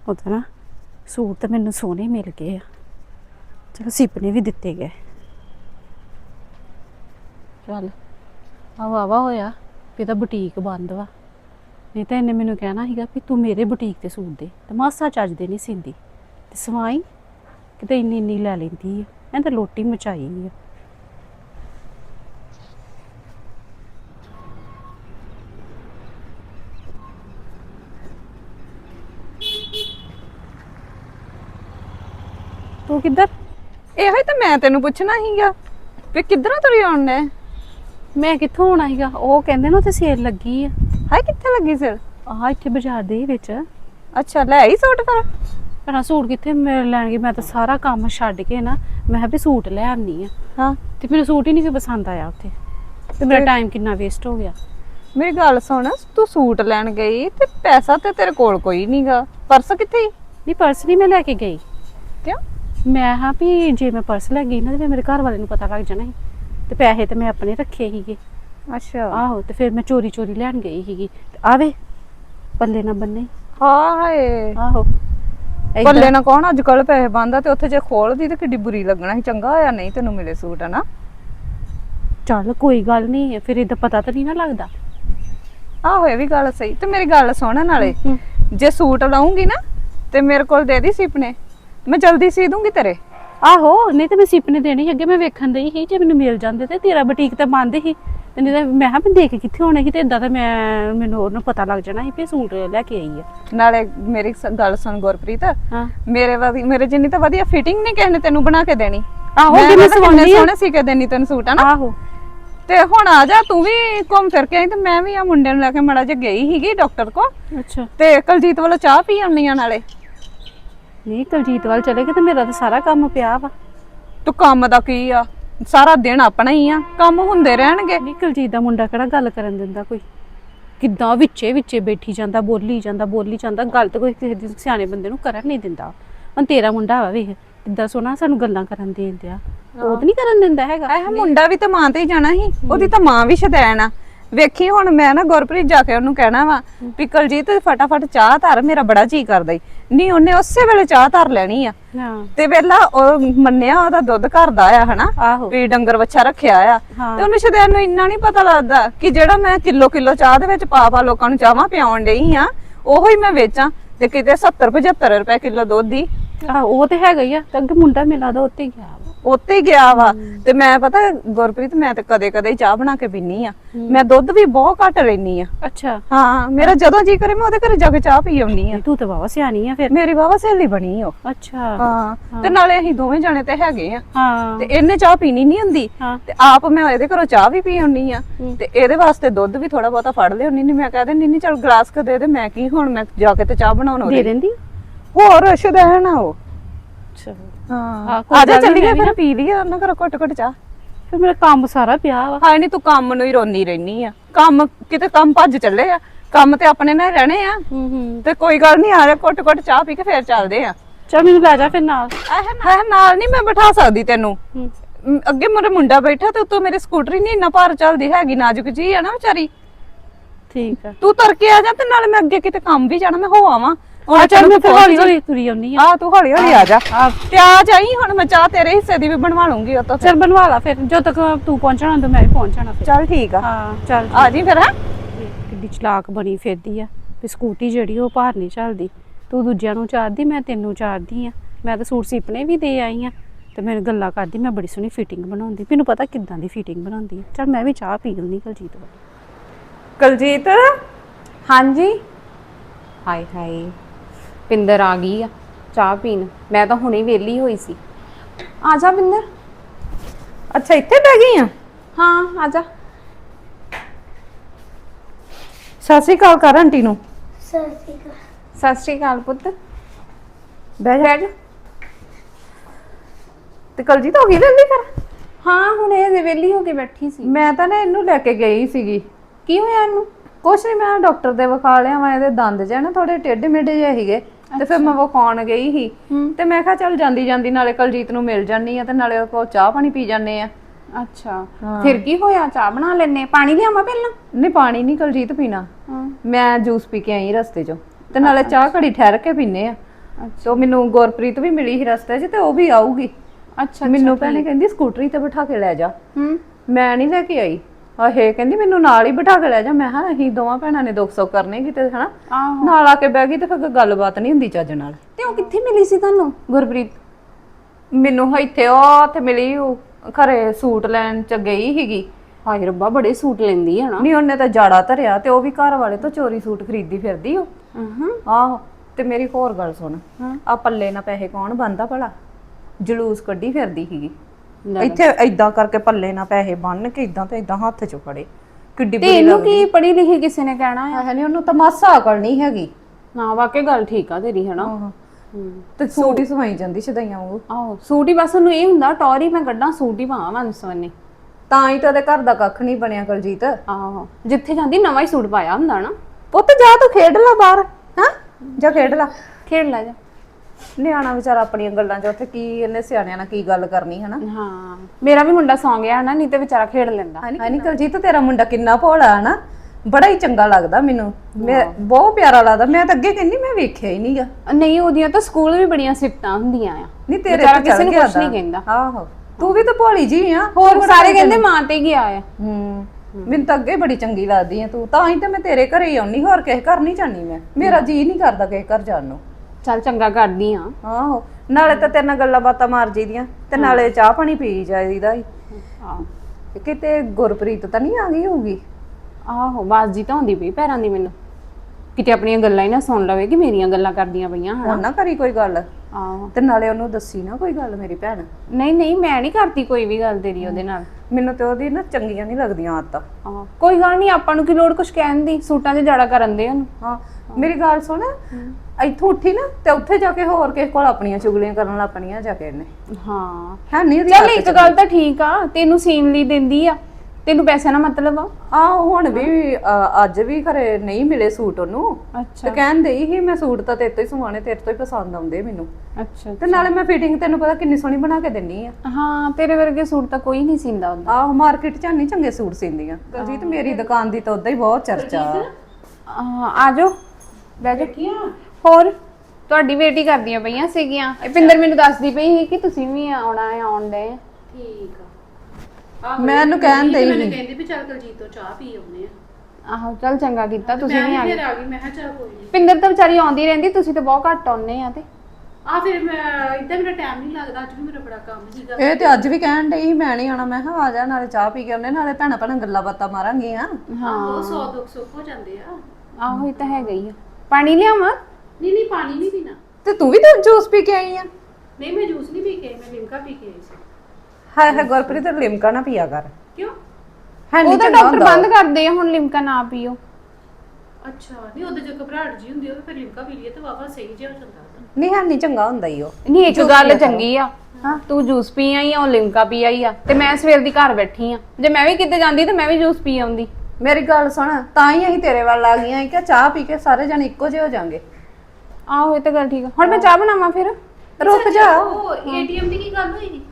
ਉਹਦਾ ਨਾ ਸੂਟ ਤਾਂ ਮੈਨੂੰ ਸੋਹਣੇ ਮਿਲ ਗਏ ਆ। ਚਲੋ ਸਿਪਨੇ ਵੀ ਦਿੱਤੇ ਗਏ। ਚੱਲ ਆ ਵਾਵਾ ਹੋਇਆ ਵੀ ਇਹਦਾ ਬੁਟੀਕ ਬੰਦ ਵਾ, ਨਹੀਂ ਤਾਂ ਇਹਨੇ ਮੈਨੂੰ ਕਹਿਣਾ ਸੀਗਾ ਵੀ ਤੂੰ ਮੇਰੇ ਬੁਟੀਕ ਤੇ ਸੂਟ ਦੇ, ਤੇ ਮਾਸਾ ਚੱਜ ਦੇ ਨਹੀਂ ਸੀਂਦੀ ਤੇ ਸਵਾਈ ਕਿਤੇ ਇੰਨੀ ਲੈ ਲੈਂਦੀ ਆ। ਮੈਂ ਤਾਂ ਲੋਟੀ ਮਚਾਈ ਆ। ਤੂੰ ਕਿੱਧਰ? ਇਹੋ ਹੀ ਤਾਂ ਮੈਂ ਤੈਨੂੰ ਪੁੱਛਣਾ ਸੀਗਾ ਵੀ ਕਿੱਧਰੋਂ ਤੁਰੀ ਆਉਣ ਨੇ। ਮੈਂ ਕਿੱਥੋਂ ਆਉਣਾ ਸੀਗਾ? ਉਹ ਕਹਿੰਦੇ ਨਾ ਉੱਥੇ ਸੇਲ ਲੱਗੀ ਆ। ਹਾਏ ਕਿੱਥੇ ਲੱਗੀ ਸਿਰ? ਆਹ ਇੱਥੇ ਬਾਜ਼ਾਰ ਦੇ ਵਿੱਚ। ਅੱਛਾ ਲੈ ਆਈ ਸੂਟ ਫਿਰ? ਭੈਣਾ ਸੂਟ ਕਿੱਥੇ ਮੈਂ ਲੈਣ ਗਈ? ਮੈਂ ਤਾਂ ਸਾਰਾ ਕੰਮ ਛੱਡ ਕੇ ਨਾ ਮੈਂ ਕਿਹਾ ਵੀ ਸੂਟ ਲੈ ਆਉਣੀ ਆ। ਹਾਂ ਤੇ ਮੈਨੂੰ ਸੂਟ ਹੀ ਨਹੀਂ ਕੋਈ ਪਸੰਦ ਆਇਆ ਉੱਥੇ, ਤੇ ਮੇਰਾ ਟਾਈਮ ਕਿੰਨਾ ਵੇਸਟ ਹੋ ਗਿਆ। ਮੇਰੀ ਗੱਲ ਸੁਣ, ਤੂੰ ਸੂਟ ਲੈਣ ਗਈ ਤੇ ਪੈਸਾ ਤੇ ਤੇਰੇ ਕੋਲ ਕੋਈ ਨਹੀਂਗਾ, ਪਰਸ ਕਿੱਥੇ? ਨਹੀਂ ਪਰਸ ਨਹੀਂ ਮੈਂ ਲੈ ਕੇ ਗਈ। ਕਿਉਂ? ਮੈਂ ਹਾਂ ਵੀ ਜੇ ਮੈਂ ਪਰਸ ਲੈ ਗਈ ਨਾ ਤੇ ਫਿਰ ਮੇਰੇ ਘਰ ਵਾਲੇ ਨੂੰ ਪਤਾ ਲੱਗ ਜਾਣਾ ਸੀ, ਤੇ ਪੈਸੇ ਤੇ ਮੈਂ ਆਪਣੇ ਰੱਖੇ ਸੀਗੇ। ਅੱਛਾ ਆਹੋ, ਤੇ ਫਿਰ ਮੈਂ ਚੋਰੀ ਲੈਣ ਗਈ ਸੀਗੀ। ਤੇ ਆਵੇ ਪੱਲੇ ਨਾ ਬੰਨੇ। ਹਾਏ ਆਹੋ ਪੱਲੇ ਨਾ ਕੌਣ ਅੱਜ ਕੱਲ ਪੈਸੇ ਬੰਦਾ, ਤੇ ਉੱਥੇ ਜੇ ਖੋਲਦੀ ਤੇ ਕਿੱਡੀ ਬੁਰੀ ਲੱਗਣਾ ਸੀ। ਚੰਗਾ ਹੋਇਆ ਨਹੀਂ ਤੈਨੂੰ ਮਿਲੇ ਸੂਟ, ਹਨਾ? ਚੱਲ ਕੋਈ ਗੱਲ ਨਹੀਂ, ਫਿਰ ਇਹਦਾ ਪਤਾ ਤਾਂ ਨਹੀਂ ਨਾ ਲੱਗਦਾ। ਆਹੋ ਇਹ ਵੀ ਗੱਲ ਸਹੀ। ਤੇ ਮੇਰੀ ਗੱਲ ਸੁਣ, ਨਾਲੇ ਜੇ ਸੂਟ ਲਾਉਂਗੀ ਨਾ ਤੇ ਮੇਰੇ ਕੋਲ ਦੇ ਦੀ ਸਿਪਨੇ, ਮੈਂ ਜਲਦੀ ਸੀ ਦੂੰਗੀ ਤੇਰੇ। ਆਹੋ ਨਹੀਂ ਤੇ ਮੈਂ ਸਿਪਨੇ ਦੇਣੇ ਸੀ। ਅੱਗੇ ਮੈਂ ਵੇਖਣ ਦਈ ਸੀ ਜੇ ਮੈਨੂੰ ਮਿਲ ਜਾਂਦੇ ਤੇ ਤੇਰਾ ਬੁਟੀਕ ਤਾਂ ਬੰਦ ਸੀ, ਤੇ ਨਹੀਂ ਤਾਂ ਮੈਂ ਕਿਹਾ ਮੈਂ ਦੇਖ ਕਿੱਥੇ ਹੋਣੇ ਸੀ, ਤੇ ਇਦਾਂ ਤਾਂ ਮੈਨੂੰ ਉਹਨੂੰ ਪਤਾ ਲੱਗ ਜਾਣਾ ਸੀ ਵੀ ਸੂਟ ਲੈ ਕੇ ਆਈ ਆ। ਨਾਲੇ ਮੇਰੀ ਗੱਲ ਸੁਣ ਗੁਰਪ੍ਰੀਤ, ਹਾਂ ਮੇਰੇ ਜਿੰਨੀ ਤਾਂ ਵਧੀਆ ਫਿਟਿੰਗ ਨਹੀਂ ਕਿਸੇ ਨੇ ਤੈਨੂੰ ਬਣਾ ਕੇ ਦੇਣੀ। ਆਹੋ ਮੈਂ ਸਵਾਉਣੀ ਆ। ਸੋਹਣੇ ਸੀ ਕੇ ਦੇਣੀ ਤੈਨੂੰ ਸੂਟ, ਹਨਾ? ਆਹੋ ਤੇ ਹੁਣ ਆ ਜਾ ਤੂੰ ਵੀ ਘੁੰਮ ਫਿਰ ਕੇ ਆਈ। ਤੇ ਮੈਂ ਵੀ ਆ ਮੁੰਡੇ ਨੂੰ ਲੈ ਕੇ ਮਾੜਾ ਜਿਹਾ ਗਈ ਸੀਗੀ ਡਾਕਟਰ ਕੋਲ, ਅੱਛਾ। ਤੇ ਕੁਲਜੀਤ ਵੱਲੋਂ ਚਾਹ ਪੀ ਆਉਣੀ ਆ ਨਾਲੇ। ਨਹੀਂ ਕੁਲਜੀਤ ਵੱਲ ਚਲੇ ਗਏ ਤੇ ਮੇਰਾ ਤਾਂ ਸਾਰਾ ਕੰਮ ਪਿਆ ਵਾ। ਤੂੰ ਕੰਮ ਦਾ ਕੀ ਆ, ਸਾਰਾ ਦਿਨ ਆਪਣਾ ਹੀ ਆ, ਕੰਮ ਹੁੰਦੇ ਰਹਿਣਗੇ। ਨਹੀਂ ਕੁਲਜੀਤ ਦਾ ਮੁੰਡਾ ਕਿਹੜਾ ਗੱਲ ਕਰਨ ਦਿੰਦਾ ਕੋਈ? ਕਿੱਦਾਂ ਵਿੱਚੇ ਬੈਠੀ ਜਾਂਦਾ, ਬੋਲੀ ਜਾਂਦਾ। ਗੱਲ ਤਾਂ ਕੋਈ ਕਿਸੇ ਸਿਆਣੇ ਬੰਦੇ ਨੂੰ ਕਰਨ ਨਹੀਂ ਦਿੰਦਾ। ਹੁਣ ਤੇਰਾ ਮੁੰਡਾ ਵਾ ਵੇਖ ਕਿੱਦਾਂ ਸੋਹਣਾ ਸਾਨੂੰ ਗੱਲਾਂ ਕਰਨ ਦੇ ਦਿਆ, ਉਹ ਤਾਂ ਨਹੀਂ ਕਰਨ ਦਿੰਦਾ ਹੈਗਾ। ਇਹ ਮੁੰਡਾ ਵੀ ਤਾਂ ਮਾਂ ਤੇ ਹੀ ਜਾਣਾ ਸੀ, ਉਹਦੀ ਤਾਂ ਮਾਂ ਵੀ ਸ਼ੈਤਾਨ ਆ। ਵੇਖੀ ਹੁਣ ਮੈਂ ਨਾ ਗੁਰਪ੍ਰੀਤ ਜਾ ਕੇ ਉਹਨੂੰ ਕਹਿਣਾ ਵਾ ਵੀ ਕੁਲਜੀਤ ਫਟਾਫਟ ਚਾਹ ਧਰ, ਮੇਰਾ ਬੜਾ ਜੀ ਕਰਦਾ ਈ। ਨਹੀਂ ਉਹਨੇ ਉਸੇ ਵੇਲੇ ਚਾਹ ਧਰ ਲੈਣੀ ਆ। ਹਾਂ ਤੇ ਵੇਲਾ ਉਹ ਮੰਨਿਆ ਉਹਦਾ ਦੁੱਧ ਘਰ ਦਾ ਆ, ਹਨਾ? ਆਹੋ ਵੀ ਡੰਗਰ ਵੱਛਾ ਰੱਖਿਆ ਆ। ਤੇ ਉਹਨੂੰ ਸ਼ੈਤਾਨ ਨੂੰ ਇੰਨਾ ਨਹੀਂ ਪਤਾ ਲੱਗਦਾ ਕਿ ਜਿਹੜਾ ਮੈਂ ਕਿਲੋ ਚਾਹ ਦੇ ਵਿੱਚ ਪਾ ਲੋਕਾਂ ਨੂੰ ਚਾਹਾਂ ਪਿਆਉਣ ਡਈ ਆ, ਉਹੋ ਹੀ ਮੈਂ ਵੇਚਾਂ ਤੇ ਕਿਤੇ 70-75 ਰੁਪਏ ਕਿਲੋ ਦੁੱਧ ਦੀ। ਉਹ ਤੇ ਹੈਗਾ ਹੀ ਆ। ਤੇ ਅੱਗੇ ਮੁੰਡਾ ਮਿਲਾ ਦਾ ਉੱਤੇ ਗਿਆ ਵਾ। ਉੱਤੇ ਹੀ ਗਿਆ ਵਾ। ਤੇ ਮੈਂ ਪਤਾ ਗੁਰਪ੍ਰੀਤ, ਮੈਂ ਤੇ ਕਦੇ ਚਾਹ ਬਣਾ ਕੇ ਪੀਨੀ ਆ। ਮੈਂ ਦੁੱਧ ਵੀ ਬਹੁਤ ਘੱਟ ਲੈਣੀ ਆ। ਅੱਛਾ ਹਾਂ ਮੇਰਾ ਜਦੋਂ ਜੀ ਕਰੇ ਮੈਂ ਉਹਦੇ ਘਰੇ ਜਾ ਕੇ ਚਾਹ ਪੀ ਆਉਣੀ ਆ। ਤੂੰ ਤਾਂ ਵਾਵਾ ਸਿਆਣੀ ਆ ਫਿਰ। ਮੇਰੀ ਵਾਵਾ ਸਹੇਲੀ ਬਣੀ ਉਹ। ਅੱਛਾ ਹਾਂ ਤੇ ਨਾਲੇ ਅਸੀਂ ਦੋਵੇਂ ਜਾਣੇ ਤੇ ਹੈਗੇ ਆ। ਹਾਂ ਤੇ ਇਹਨੇ ਚਾਹ ਪੀਣੀ ਨਹੀਂ ਹੁੰਦੀ, ਤੇ ਆਪ ਮੈਂ ਇਹਦੇ ਘਰੋਂ ਚਾਹ ਵੀ ਪੀ ਆਉਣੀ ਆ। ਤੇ ਇਹਦੇ ਵਾਸਤੇ ਦੁੱਧ ਵੀ ਥੋੜਾ ਬਹੁਤਾ ਫੜ ਲਿਆਉਣੀ। ਨਹੀਂ ਮੈਂ ਕਹਿ ਦਿੰਦੀ ਨਹੀਂ ਚੱਲ ਗਲਾਸ ਕ ਦੇ ਦੇ, ਮੈਂ ਕੀ ਹੁਣ ਮੈਂ ਜਾ ਕੇ ਤੇ ਚਾਹ ਬਣਾਉਣ ਦੇ ਦਿੰਦੀ ਹੋਰ ਸ਼ੁਦੈਣ ਆ ਉਹ। ਅੱਛਾ ਹਾਂ ਆ ਜਾ ਚੱਲੀਏ ਫਿਰ ਪੀ ਲਈਏ ਉਹਨਾਂ ਘਰੋਂ ਘੁੱਟ ਚਾਹ। ਫਿਰ ਮੇਰਾ ਕੰਮ ਸਾਰਾ ਪਿਆ ਵਾ। ਹਾਏ ਨਹੀਂ ਤੂੰ ਕੰਮ ਨੂੰ ਹੀ ਰੋਂਦੀ ਰਹਿਨੀ ਆ। ਕੰਮ ਕਿਤੇ ਕੰਮ ਭੱਜ ਚੱਲੇ ਆ, ਕੰਮ ਤੇ ਆਪਣੇ ਨਾਲ ਰਹਿਣੇ ਆ। ਤੇ ਕੋਈ ਗੱਲ ਨਹੀਂ, ਆ ਜਾ ਘੁੱਟ ਚਾਹ ਪੀ ਕੇ ਫੇਰ ਚੱਲਦੇ ਆ। ਚਲ ਮੈਨੂੰ ਲੈ ਜਾ ਫਿਰ ਨਾਲ। ਨਾਲ ਨਹੀਂ ਮੈਂ ਬਿਠਾ ਸਕਦੀ ਤੈਨੂੰ। ਅੱਗੇ ਮੇਰਾ ਮੁੰਡਾ ਬੈਠਾ ਤੇ ਉੱਤੋਂ ਮੇਰੇ ਸਕੂਟਰੀ ਨਹੀਂ ਇੰਨਾ ਭਾਰ ਚੱਲਦੀ ਹੈਗੀ, ਨਾਜ਼ੁਕ ਜੀ ਆ ਨਾ ਵਿਚਾਰੀ। ਠੀਕ ਆ ਤੂੰ ਤੁਰ ਕੇ ਆ ਜਾ, ਤੇ ਨਾਲ ਮੈਂ ਅੱਗੇ ਕਿਤੇ ਕੰਮ ਵੀ ਜਾਣਾ, ਮੈਂ ਹੋ ਆਵਾਂ। ਚੱਲ ਮੈਂ ਫਿਰ ਹੌਲੀ ਤੁਰੀ ਆਉਣੀ ਆ। ਤੂੰ ਹੌਲੀ ਆ ਜਾ ਤੇ ਆ ਜਾਈ। ਹੁਣ ਮੈਂ ਚਾਹ ਤੇਰੇ ਹਿੱਸੇ ਦੀ ਵੀ ਬਣਵਾ ਲੂੰਗੀ ਉਹ ਤੋਂ। ਚੱਲ ਬਣਵਾ ਲਾ ਫਿਰ, ਜਦੋਂ ਤੱਕ ਤੂੰ ਪਹੁੰਚਣਾ ਤਾਂ ਮੈਂ ਵੀ ਪਹੁੰਚਣਾ ਫਿਰ। ਚੱਲ ਠੀਕ ਆ। ਹਾਂ ਚੱਲ ਆ ਜੀ ਫਿਰ। ਕਿੱਡੀ ਚਲਾਕ ਬਣੀ ਫਿਰਦੀ ਆ ਵੀ ਸਕੂਟੀ ਜਿਹੜੀ ਉਹ ਭਾਰ ਨਹੀਂ ਚੱਲਦੀ। ਤੂੰ ਦੂਜਿਆਂ ਨੂੰ ਚਾਰਦੀ, ਮੈਂ ਤੈਨੂੰ ਚਾਰਦੀ ਆ। ਮੈਂ ਤਾਂ ਸੂਟ ਸਿਪਨੇ ਵੀ ਦੇ ਆਈ ਆ, ਤੇ ਮੈਨੂੰ ਗੱਲਾਂ ਕਰਦੀ ਮੈਂ ਬੜੀ ਸੋਹਣੀ ਫਿਟਿੰਗ ਬਣਾਉਂਦੀ। ਮੈਨੂੰ ਪਤਾ ਕਿੱਦਾਂ ਦੀ ਫਿਟਿੰਗ ਬਣਾਉਂਦੀ। ਚੱਲ ਮੈਂ ਵੀ ਚਾਹ ਪੀ ਲੂੰਗੀ ਕੁਲਜੀਤ ਵੱਲ। ਕੁਲਜੀਤ। ਹਾਂਜੀ। ਹਾਏ ਹਾਏ ਪਿੰਦਰ ਆ ਗਈ ਆ ਚਾਹ ਪੀਣ। ਮੈਂ ਤਾਂ ਹੁਣੇ ਵਿਹਲੀ ਹੋਈ ਸੀ। ਆ ਜਾ ਪਿੰਦਰ। ਅੱਛਾ ਇੱਥੇ ਬਹਿ ਗਈ ਆ? ਹਾਂ ਆ ਜਾ। ਸਤਿ ਸ਼੍ਰੀ ਅਕਾਲ ਕਰ ਆਂਟੀ ਨੂੰ। ਸਤਿ ਸ਼੍ਰੀ ਅਕਾਲ ਪੁੱਤ। ਬਹਿ ਜਾ। ਬੈਠ ਜਾ। ਤੇ ਕੁਲਜੀਤ ਹੋ ਗਈ ਲੈਂਦੀ ਫਿਰ? ਹਾਂ ਹੁਣ ਇਹ ਵਿਹਲੀ ਹੋ ਕੇ ਬੈਠੀ ਸੀ। ਮੈਂ ਤਾਂ ਨਾ ਇਹਨੂੰ ਲੈ ਕੇ ਗਈ ਸੀਗੀ। ਕੀ ਹੋਇਆ ਇਹਨੂੰ? ਕੁਛ ਨਹੀਂ, ਮੈਂ ਡਾਕਟਰ ਦੇ ਵਿਖਾ ਲਿਆ ਵਾ। ਇਹਦੇ ਦੰਦ ਜਿਹੇ ਨਾ ਥੋੜੇ ਟੇਢੇ ਮੇਢੇ ਜਿਹੇ ਸੀਗੇ, ਤੇ ਫਿਰ ਮੈਂ ਵਿਖਾਉਣ ਗਈ ਸੀ। ਤੇ ਮੈਂ ਕਿਹਾ ਚੱਲ ਜਾਂਦੀ ਨਾਲੇ ਕੁਲਜੀਤ ਨੂੰ ਮਿਲ ਜਾਨੀ ਆ, ਤੇ ਨਾਲੇ ਉਹ ਕੋਲ ਚਾਹ ਪਾਣੀ ਪੀ ਜਾਂਦੇ ਆ। ਅੱਛਾ ਫਿਰ ਕੀ ਹੋਇਆ? ਚਾਹ ਬਣਾ ਲੈਨੇ। ਪਾਣੀ ਲਿਆਵਾਂ ਪਹਿਲਾਂ? ਨਹੀਂ ਪਾਣੀ ਨਹੀਂ ਕੁਲਜੀਤ ਪੀਣਾ। ਮੈਂ ਜੂਸ ਪੀ ਕੇ ਆਈ ਰਸਤੇ ਚੋਂ, ਤੇ ਨਾਲੇ ਚਾਹ ਘੜੀ ਠਹਿਰ ਕੇ ਪੀਨੇ ਆ। ਤੇ ਉਹ ਮੈਨੂੰ ਗੁਰਪ੍ਰੀਤ ਵੀ ਮਿਲੀ ਸੀ ਰਸਤੇ 'ਚ ਤੇ ਉਹ ਵੀ ਆਊਗੀ। ਅੱਛਾ ਮੈਨੂੰ ਭੈਣੇ ਕਹਿੰਦੀ ਸਕੂਟਰੀ ਤੇ ਬਿਠਾ ਕੇ ਲੈ ਜਾ। ਹੂੰ ਮੈਂ ਨਹੀਂ ਲੈ ਕੇ ਆਈ। ਆਹੇ ਕਹਿੰਦੀ ਮੈਨੂੰ ਨਾਲ ਹੀ ਬਿਠਾ ਕੇ ਲੈ ਜਾ। ਮੈਂ ਹਾਂ ਅਸੀਂ ਦੋਵਾਂ ਭੈਣਾਂ ਨੇ ਦੁੱਖ ਸੁੱਖ ਕਰਨੇ ਕਿਤੇ ਹਨਾ, ਆਹੋ ਨਾਲ ਆ ਕੇ ਬਹਿ ਗਈ ਤੇ ਫਿਰ ਕੋਈ ਗੱਲਬਾਤ ਨਹੀਂ ਹੁੰਦੀ ਚੱਜ ਨਾਲ। ਤੇ ਉਹ ਕਿੱਥੇ ਮਿਲੀ ਸੀ ਤੁਹਾਨੂੰ ਗੁਰਪ੍ਰੀਤ? ਮੈਨੂੰ ਇੱਥੇ ਉਹ ਤੇ ਮਿਲੀ, ਉਹ ਖਰੇ ਸੂਟ ਲੈਣ ਚ ਗਈ ਸੀਗੀ। ਹਾਏ ਰੱਬਾ, ਬੜੇ ਸੂਟ ਲੈਂਦੀ ਹੈ ਨਾ। ਨਹੀਂ ਉਹਨੇ ਤਾਂ ਜਾੜਾ ਧਰਿਆ ਤੇ ਉਹ ਵੀ ਘਰ ਵਾਲੇ ਤੋਂ ਚੋਰੀ ਸੂਟ ਖਰੀਦੀ ਫਿਰਦੀ ਉਹ। ਆਹੋ ਤੇ ਮੇਰੀ ਹੋਰ ਗੱਲ ਸੁਣ, ਆ ਪੱਲੇ ਨਾਲ ਪੈਸੇ ਕੌਣ ਬੰਨਦਾ ਭਲਾ? ਜਲੂਸ ਕੱਢੀ ਫਿਰਦੀ ਸੀਗੀ ਇੱਥੇ ਏਦਾਂ ਕਰਕੇ, ਪੱਲੇ ਨਾਲ ਪੈਸੇ ਬੰਨ ਕੇ ਏਦਾਂ ਤੇ ਏਦਾਂ ਹੱਥ 'ਚ ਫੜੇ। ਕਿੱਡੀ ਤੇ ਇਹਨੂੰ ਕੀ ਪੜ੍ਹੀ ਲਿਖੀ ਕਿਸੇ ਨੇ ਕਹਿਣਾ ਹੈ? ਨਹੀਂ ਉਹਨੂੰ ਤਮਾਸ਼ਾ ਕਰਨੀ ਹੈਗੀ। ਨਾ ਵਾਕਈ ਗੱਲ ਠੀਕ ਆ ਤੇਰੀ ਹਨਾ। ਤੇ ਸੂਟ ਹੀ ਸਵਾਈ ਜਾਂਦੀ ਛਦਾਈਆਂ ਉਹ। ਆਹੋ ਸੂਟ ਹੀ ਬਸ ਉਹਨੂੰ ਇਹ ਹੁੰਦਾ ਟੌਰੀ ਮੈਂ ਕੱਢਾਂ ਸੂਟ ਹੀ ਪਾਵਾਂ ਮਨਸਵਨੇ। ਤਾਂ ਹੀ ਤਾਂ ਉਹਦੇ ਘਰ ਦਾ ਕੱਖ ਨਹੀਂ ਬਣਿਆ ਕੁਲਜੀਤ। ਆਹੋ ਜਿੱਥੇ ਜਾਂਦੀ ਨਵਾਂ ਹੀ ਸੂਟ ਪਾਇਆ ਹੁੰਦਾ ਨਾ। ਪੁੱਤ ਜਾ ਤੂੰ ਖੇਡ ਲੈ ਬਾਹਰ, ਹਾਂ ਜਾ ਖੇਡ ਲੈ। ਖੇਡ ਲੈ ਜਾ। ਨਿਆਣਾ ਵਿਚਾਰਾ ਆਪਣੀਆਂ ਗੱਲਾਂ 'ਚ ਉੱਥੇ ਕੀ ਇਹਨੇ ਸਿਆਣਿਆਂ ਨਾਲ ਕੀ ਗੱਲ ਕਰਨੀ ਹਨਾ। ਹਾਂ ਮੇਰਾ ਵੀ ਮੁੰਡਾ ਸੌਂ ਗਿਆ ਹਨਾ, ਨਹੀਂ ਤੇ ਵਿਚਾਰਾ ਖੇਡ ਲੈਂਦਾ। ਹਾਂ ਕੁਲਜੀਤ ਤੇਰਾ ਮੁੰਡਾ ਕਿੰਨਾ ਭੋਲਾ ਹਨਾ, ਬੜਾ ਹੀ ਚੰਗਾ ਲੱਗਦਾ ਮੈਨੂੰ। ਮੈਂ ਬਹੁਤ ਪਿਆਰਾ ਲੱਗਦਾ। ਮੈਂ ਤਾਂ ਅੱਗੇ ਕਹਿੰਦੀ ਮੈਂ ਵੇਖਿਆ ਹੀ ਨਹੀਂਗਾ। ਨਹੀਂ ਉਹਦੀਆਂ ਤਾਂ ਸਕੂਲ ਵੀ ਬੜੀਆਂ ਸਿਫਤਾਂ ਹੁੰਦੀਆਂ ਆ। ਨਹੀਂ ਤੇਰੇ ਵਿਚਾਰਾ ਤੇ ਕਿਸੇ ਨੂੰ ਚੜ ਕੁਝ ਨਹੀਂ ਗਿਆ ਕਹਿੰਦਾ। ਆਹੋ ਤੂੰ ਵੀ ਤਾਂ ਭੋਲੀ ਜੀ ਆ। ਹੋਰ ਸਾਰੇ ਕਹਿੰਦੇ ਮਾਂ ਤੇ ਗਿਆ ਆ। ਮੈਨੂੰ ਤਾਂ ਅੱਗੇ ਬੜੀ ਚੰਗੀ ਲੱਗਦੀ ਆ ਤੂੰ, ਤਾਂ ਹੀ ਤਾਂ ਮੈਂ ਤੇਰੇ ਘਰੇ ਹੀ ਆਉਣੀ, ਹੋਰ ਕਿਸੇ ਘਰ ਨਹੀਂ ਜਾਣੀ ਮੈਂ। ਮੇਰਾ ਜੀ ਨਹੀਂ ਕਰਦਾ ਕਿਸੇ ਘਰ ਜਾਣ ਨੂੰ। ਚੱਲ ਚੰਗਾ ਕਰਦੀ ਆ। ਆਹੋ ਨਾਲੇ ਤਾਂ ਤੇਰੇ ਨਾਲ ਗੱਲਾਂ ਬਾਤਾਂ ਮਾਰ ਜੀਦੀਆਂ ਤੇ ਨਾਲੇ ਚਾਹ ਪਾਣੀ ਪੀ ਜਾਈਦਾ। ਕਿਤੇ ਗੁਰਪ੍ਰੀਤ ਤਾਂ ਨਹੀਂ ਆ ਗਈ ਹੋਊਗੀ? ਆਹੋ ਬਾਜ਼ ਜੀ ਤਾਂ ਹੁੰਦੀ ਪਈ ਪੈਰਾਂ ਦੀ ਮੈਨੂੰ, ਕਿਤੇ ਆਪਣੀਆਂ ਗੱਲਾਂ ਹੀ ਨਾ ਸੁਣ ਲਵੇ ਕਿ ਮੇਰੀਆਂ ਗੱਲਾਂ ਕਰਦੀਆਂ ਪਈਆਂ ਹੁਣ ਨਾ ਕਰੀ ਕੋਈ ਗੱਲ। ਆਹੋ ਤੇ ਨਾਲੇ ਉਹਨੂੰ ਦੱਸੀ ਨਾ ਕੋਈ ਗੱਲ ਮੇਰੀ ਭੈਣ। ਨਹੀਂ ਮੈਂ ਨਹੀਂ ਕਰਦੀ ਕੋਈ ਵੀ ਗੱਲ ਤੇਰੀ ਉਹਦੇ ਨਾਲ। ਮੈਨੂੰ ਤੇ ਉਹਦੀ ਨਾ ਚੰਗੀਆਂ ਨਹੀਂ ਲੱਗਦੀਆਂ ਆਦਤਾਂ। ਆਹ ਕੋਈ ਗੱਲ ਨਹੀਂ, ਆਪਾਂ ਨੂੰ ਕੀ ਲੋੜ ਕੁਝ ਕਹਿਣ ਦੀ, ਸੂਟਾਂ 'ਚ ਜਾੜਾ ਕਰਨ ਦੇ ਉਹਨੂੰ। ਹਾਂ ਮੇਰੀ ਗੱਲ ਸੁਣ, ਇੱਥੋਂ ਉੱਠੀ ਨਾ ਤੇ ਉੱਥੇ ਜਾ ਕੇ ਹੋਰ ਕਿਸੇ ਕੋਲ ਆਪਣੀਆਂ ਚੁਗਲੀਆਂ ਕਰਨ ਲੱਗ ਪਣੀਆਂ ਜਾ ਕੇ ਇਹਨੇ। ਹਾਂ ਹੈ ਨਹੀਂ ਚੱਲ ਇੱਕ ਗੱਲ ਤਾਂ ਠੀਕ ਆ, ਤੈਨੂੰ ਸੀਨ ਲਈ ਦਿੰਦੀ ਆ, ਤੈਨੂੰ ਪੈਸੇ ਨਾਲ ਮਤਲਬ ਆ। ਆਹੋ ਹੁਣ ਵੀ ਅੱਜ ਵੀ ਘਰੇ ਨਹੀਂ ਮਿਲੇ ਸੂਟ ਉਹਨੂੰ। ਅੱਛਾ ਤੇ ਕਹਿੰਦੇ ਹੀ ਮੈਂ ਸੂਟ ਤਾਂ ਤੇਰੇ ਤੋਂ ਹੀ ਸਵਾਣੇ, ਤੇਰੇ ਤੋਂ ਹੀ ਪਸੰਦ ਆਉਂਦੇ ਮੈਨੂੰ। ਅੱਛਾ ਤੇ ਨਾਲੇ ਮੈਂ ਫਿਟਿੰਗ ਤੈਨੂੰ ਪਤਾ ਕਿੰਨੀ ਸੋਹਣੀ ਬਣਾ ਕੇ ਦਿੰਨੀ ਆ। ਹਾਂ ਤੇਰੇ ਵਰਗੇ ਸੂਟ ਤਾਂ ਕੋਈ ਨਹੀਂ ਸੀਂਦਾ ਉਹਦਾ। ਆਹੋ ਮਾਰਕੀਟ 'ਚ ਨਹੀਂ ਚੰਗੇ ਸੂਟ ਸੀਂਦੀਆਂ ਕੁਲਜੀਤ। ਮੇਰੀ ਦੁਕਾਨ ਦੀ ਤਾਂ ਉਦਾਂ ਹੀ ਬਹੁਤ ਚਰਚਾ। ਆ ਜਾਓ ਬਹਿ ਜਾਓ। ਹੋਰ ਤੁਹਾਡੀ ਵੇਟ ਹੀ ਕਰਦੀਆਂ ਪਈਆਂ ਸੀਗੀਆਂ। ਪਿੰਦਰ ਮੈਨੂੰ ਦੱਸਦੀ ਪਈ ਸੀ ਕਿ ਤੁਸੀਂ ਵੀ ਆਉਣਾ ਹੈ, ਆਉਣ ਦੇ। ਠੀਕ ਆ। ਮੈਂ ਇਹਨੂੰ ਕਹਿਣ ਡਈ ਸੀ। ਕਹਿੰਦੀ ਵੀ ਚੱਲ ਕਲਜੀਤ ਤੋਂ ਚਾਹ ਪੀ ਆਉਨੇ ਆ। ਆਹੋ ਚੱਲ ਚੰਗਾ ਕੀਤਾ ਤੁਸੀਂ ਵੀ ਆ ਗਏ। ਫਿਰ ਆ ਗਈ, ਮੈਂ ਕਿਹਾ ਚੱਲ ਕੋਈ ਨਹੀਂ। ਪਿੰਦਰ ਤਾਂ ਵਿਚਾਰੀ ਆਉਂਦੀ ਰਹਿੰਦੀ, ਤੁਸੀਂ ਤਾਂ ਬਹੁਤ ਘੱਟ ਆਉਂਦੇ ਆ। ਤੇ ਆ ਫਿਰ ਮੈਂ ਇਦਾਂ ਮੇਰਾ ਟਾਈਮ ਨਹੀਂ ਲੱਗਦਾ, ਅੱਜ ਵੀ ਮੇਰਾ ਬੜਾ ਕੰਮ ਸੀਗਾ। ਇਹ ਤੇ ਅੱਜ ਵੀ ਕਹਿਣ ਡਈ ਸੀ ਮੈਂ ਨਹੀਂ ਆਉਣਾ। ਮੈਂ ਕਿਹਾ ਆ ਜਾ, ਨਾਲੇ ਚਾਹ ਪੀ ਕੇ ਆਉਨੇ, ਨਾਲੇ ਭੈਣਾਂ ਭੈਣਾਂ ਗੱਲਾਂ ਬਾਤਾਂ ਮਾਰਾਂਗੀਆਂ। ਹਾਂ ਉਹ 100 200 ਹੋ ਜਾਂਦੇ ਆ। ਆਹੋ ਇਹ ਤਾਂ ਹੈਗਾ ਹੀ ਆ। ਪਾਣੀ ਲਿਆਵਾਂ? ਨਹੀਂ ਪਾਣੀ ਨਹੀਂ ਪੀਣਾ। ਤੇ ਤੂੰ ਵੀ ਤਾਂ ਜੂਸ ਪੀ ਕੇ ਆਈ ਆ? ਨਹੀਂ ਮੈਂ ਜੂਸ ਨਹੀਂ ਪੀ ਕੇ ਆਈ, ਮੈਂ ਲਿਮਕਾ ਪੀ ਕੇ ਆਈ ਸੀ। ਹਾਏ ਗੁਰਪ੍ਰੀਤ ਲਿਮਕਾ ਨਾ ਪੀਆ ਕਰ। ਕਿਉਂ? ਹੈ ਨਹੀਂ ਉਹਦਾ ਡਾਕਟਰ ਬੰਦ ਕਰਦੇ ਆ ਹੁਣ ਲਿਮਕਾ ਨਾ ਪੀਓ। ਅੱਛਾ ਨਹੀਂ ਉਹਦੇ ਜੇ ਘਬਰਾਹਟ ਜੀ ਹੁੰਦੀ ਉਹ ਫਿਰ ਲਿਮਕਾ ਪੀ ਲਈਏ ਤਾਂ ਵਾਵਾ ਸਹੀ ਜਿਹਾ ਹੋ ਜਾਂਦਾ। ਨਹੀਂ ਹੈ ਨਹੀਂ ਚੰਗਾ ਹੁੰਦਾ ਈ ਉਹ। ਨਹੀਂ ਇੱਕ ਗੱਲ ਚੰਗੀ ਆ, ਹਾਂ ਤੂੰ ਜੂਸ ਪੀ ਆਈ ਆ, ਉਹ ਲਿਮਕਾ ਪੀ ਆਈ ਆ, ਤੇ ਮੈਂ ਸਵੇਰ ਦੀ ਘਰ ਬੈਠੀ ਆ। ਜੇ ਮੈਂ ਵੀ ਕਿਤੇ ਜਾਂਦੀ ਤਾਂ ਮੈਂ ਵੀ ਜੂਸ ਪੀ ਆਉਂਦੀ। ਮੇਰੀ ਗੱਲ ਸੁਣ, ਤਾਂ ਹੀ ਅਸੀਂ ਤੇਰੇ ਵੱਲ ਆ ਗਈਆਂ ਕਿ ਚਾਹ ਪੀ ਕੇ ਸਾਰੇ ਜਣੇ ਇੱਕੋ ਜਿਹੇ ਹੋ ਜਾਾਂਗੇ। ਆਹੋ ਇਹ ਤਾਂ ਗੱਲ ਠੀਕ ਆ। ਹੁਣ ਮੈਂ ਚਾਹ ਬਣਾਵਾਂ ਫਿਰ? ਰੁਕ ਜਾ। ਉਹ ਏਟੀਐਮ ਦੀ ਕੀ ਗੱਲ ਹੋਈ ਸੀ?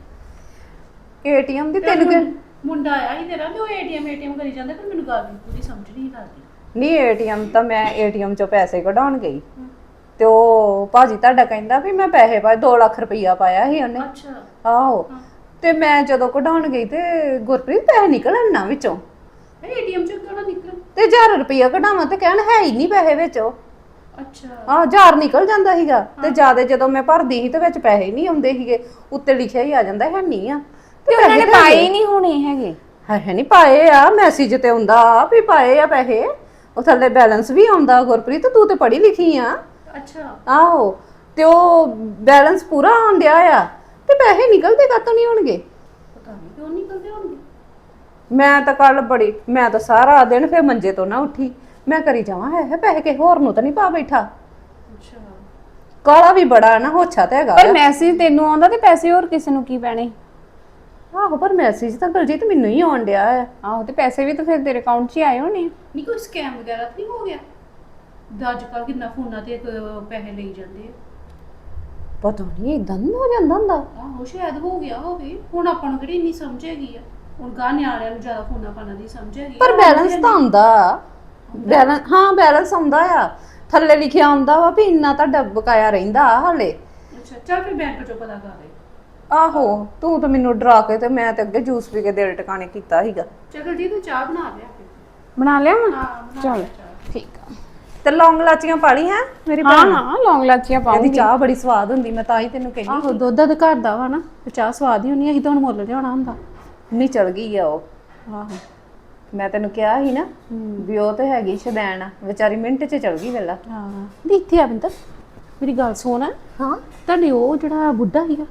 ਏਟੀਐਮ ਦੀ ਤੈਨੂੰ ਮੁੰਡਾ ਆਇਆ ਸੀ ਤੇਰਾ ਤੇ ਉਹ ਏਟੀਐਮ ਕਰੀ ਜਾਂਦਾ, ਪਰ ਮੈਨੂੰ ਗੱਲ ਪੂਰੀ ਸਮਝ ਨਹੀਂ ਲੱਗਦੀ। ਨਹੀਂ ਏਟੀਐਮ ਤਾਂ ਮੈਂ ਏਟੀਐਮ ਚੋਂ ਪੈਸੇ ਕਢਾਉਣ ਗਈ ਤੇ ਉਹ ਭਾਜੀ ਤੁਹਾਡਾ ਕਹਿੰਦਾ ਵੀ ਮੈਂ ਪੈਸੇ ਪਾਏ, 2 ਲੱਖ ਰੁਪਈਆ ਪਾਇਆ ਸੀ ਉਹਨੇ। ਅੱਛਾ ਆਹੋ ਤੇ ਮੈਂ ਜਦੋਂ ਕਢਾਉਣ ਗਈ ਤੇ ਗੁਰਪ੍ਰੀਤ ਪੈਸੇ ਨਿਕਲਣ ਨਾ ਵਿੱਚੋਂ। ਏਟੀਐਮ ਚੋਂ ਕਿਹੜਾ ਨਿਕਲ? ਤੇ 1000 ਰੁਪਈਆ ਕਢਾਵਾਂ ਤੇ ਕਹਿਣ ਹੈ ਹੀ ਨਹੀਂ ਪੈਸੇ ਵਿੱਚ। ਅੱਛਾ 1000 ਨਿਕਲ ਜਾਂਦਾ ਸੀਗਾ ਤੇ ਜਿਆਦਾ ਜਦੋਂ ਮੈਂ ਭਰਦੀ ਸੀ ਤੇ ਵਿੱਚ ਪੈਸੇ ਨਹੀਂ ਆਉਂਦੇ ਸੀਗੇ। ਉੱਤੇ ਲਿਖਿਆ ਹੀ ਆ ਜਾਂਦਾ ਹੈ ਨਹੀਂ ਆ। ਤੇ ਉਹਨਾਂ ਨੇ ਪਾਏ ਹੀ ਨਹੀਂ ਹੋਣੇ ਹੈਗੇ। ਹੈ ਨਹੀਂ ਪਾਏ ਆ, ਮੈਸੇਜ ਤੇ ਆਉਂਦਾ ਵੀ ਪਾਏ ਆ ਪੈਸੇ। ਉਹ ਥੱਲੇ ਬੈਲੈਂਸ ਵੀ ਆਉਂਦਾ। ਗੁਰਪ੍ਰੀਤ ਤੂੰ ਤੇ ਪੜ੍ਹੀ ਲਿਖੀ ਆ। ਅੱਛਾ ਆਹੋ ਤੇ ਉਹ ਬੈਲੈਂਸ ਪੂਰਾ ਆਉਣ ਡਿਆ ਆ ਤੇ ਪੈਸੇ ਨਿਕਲਦੇ ਕਾਤੋਂ ਨਹੀਂ ਹੋਣਗੇ? ਪਤਾ ਨਹੀਂ ਕਿਉਂ ਨਿਕਲਦੇ ਹੋਣਗੇ। ਮੈਂ ਤਾਂ ਕੱਲ ਮੈਂ ਤਾਂ ਸਾਰਾ ਦਿਨ ਫਿਰ ਮੰਜੇ ਤੋਂ ਨਾ ਉੱਠੀ। ਮੈਂ ਕਰੀ ਜਾਵਾਂ ਹੈ ਪੈਸੇ ਕਿਸੇ ਹੋਰ ਨੂੰ ਤਾਂ ਨਹੀਂ ਪਾ ਬੈਠਾ। ਅੱਛਾ ਕਾਲਾ ਵੀ ਬੜਾ ਨਾ, ਹੋਛਾ ਤੇ ਹੈਗਾ। ਪਰ ਮੈਸੇਜ ਤੈਨੂੰ ਆਉਂਦਾ ਤੇ ਪੈਸੇ ਹੋਰ ਕਿਸੇ ਨੂੰ ਕੀ ਪੈਣੇ? ਆਹੋ ਪਰ ਮੈਸੇਜ ਤਾਂ ਕੁਲਜੀਤ ਮੈਨੂੰ ਹੀ ਆਉਣ ਡਿਆ ਆ। ਆਹੋ ਤੇ ਪੈਸੇ ਵੀ ਤਾਂ ਫਿਰ ਤੇਰੇ ਅਕਾਊਂਟ 'ਚ ਹੀ ਆਏ ਹੋਣੇ। ਨਹੀਂ ਕੋਈ ਸਕੈਮ ਵਗੈਰਾ ਤਾਂ ਨਹੀਂ ਹੋ ਗਿਆ? ਅੱਜ ਕੱਲ ਕਿੰਨਾ ਫੋਨਾਂ ਤੇ ਪੈਸੇ ਲਈ ਜਾਂਦੇ ਆ। ਪਤਾ ਨਹੀਂ ਇਦਾਂ ਨਹੀਂ ਹੋ ਜਾਂਦਾ ਹੁੰਦਾ। ਆਹੋ ਸ਼ਾਇਦ ਹੋ ਗਿਆ ਹੋਵੇ। ਹੁਣ ਆਪਾਂ ਨੂੰ ਕਿਹੜੀ ਇੰਨੀ ਸਮਝ ਹੈਗੀ ਆ? ਹੁਣ ਗਾਂ ਨਿਆਣਿਆਂ ਨੂੰ ਜ਼ਿਆਦਾ ਫੋਨਾਂ ਪਾਣਾ ਦੀ ਸਮਝ ਹੈਗੀ। ਪਰ ਬੈਲੈਂਸ ਤਾਂ ਆਉਂਦਾ। ਬੈਲੈਂਸ ਹਾਂ ਬੈਲੈਂਸ ਆਉਂਦਾ ਆ। ਥੱਲੇ ਲਿਖਿਆ ਆਉਂਦਾ ਵਾ ਵੀ ਇੰਨਾ ਤੁਹਾਡਾ ਬਕਾਇਆ ਰਹਿੰਦਾ ਹਾਲੇ। ਅੱਛਾ ਚੱਲ ਫਿਰ ਬੈਂਕ ਚੋਂ ਪਤਾ ਕਰ ਦੇ। ਆਹੋ ਤੂੰ ਤਾਂ ਮੈਨੂੰ ਡਰਾ ਕੇ ਤੇ ਮੈਂ ਤੇ ਅੱਗੇ ਜੂਸ ਪੀ ਕੇ ਦਿਲ ਟਿਕਾਣੇ ਕੀਤਾ ਸੀਗਾ। ਚਲ ਜੀ ਤੂੰ ਚਾਹ ਬਣਾ ਲਿਆ ਫਿਰ। ਬਣਾ ਲਿਆ ਮੈਂ ਹਾਂ ਚਲ ਠੀਕ ਆ। ਤੇ ਲੌਂਗ ਲਾਚੀਆਂ ਪਾ ਲਈ ਹੈ ਮੇਰੀ ਹਾਂ ਭੈਣ? ਹਾਂ ਲੌਂਗ ਲਾਚੀਆਂ ਇਹਦੀ ਪਾਉਂਗੀ। ਚਾਹ ਬੜੀ ਸਵਾਦ ਹੁੰਦੀ, ਮੈਂ ਤਾਂ ਹੀ ਤੈਨੂੰ ਕਹਿੰਦੀ। ਆਹੋ ਦੁੱਧ ਦਾ ਘਰ ਦਾ ਵਾ ਨਾ ਤੇ ਚਾਹ ਸਵਾਦ ਹੀ ਹੁੰਦੀ, ਅਸੀਂ ਤਾਂ ਹੁਣ ਮੁੱਲ ਲਿਆਉਣਾ ਹੁੰਦਾ। ਨਹੀਂ ਚਲ ਗਈ ਆ ਉਹ। ਆਹੋ ਮੈਂ ਤੈਨੂੰ ਕਿਹਾ ਸੀ ਨਾ ਵੀ ਉਹ ਤੇ ਹੈਗੀ ਸ਼ਦੈਣ ਆ, ਵਿਚਾਰੀ ਮਿੰਟ 'ਚ ਚਲ ਗਈ ਵੇਲਾ। ਹਾਂ ਨਹੀਂ ਇੱਥੇ ਆ ਬਿੰਦਰ, ਮੇਰੀ ਗੱਲ ਸੁਣ। ਹਾਂ ਤੁਹਾਡੇ ਉਹ ਜਿਹੜਾ ਬੁੱਢਾ ਸੀਗਾ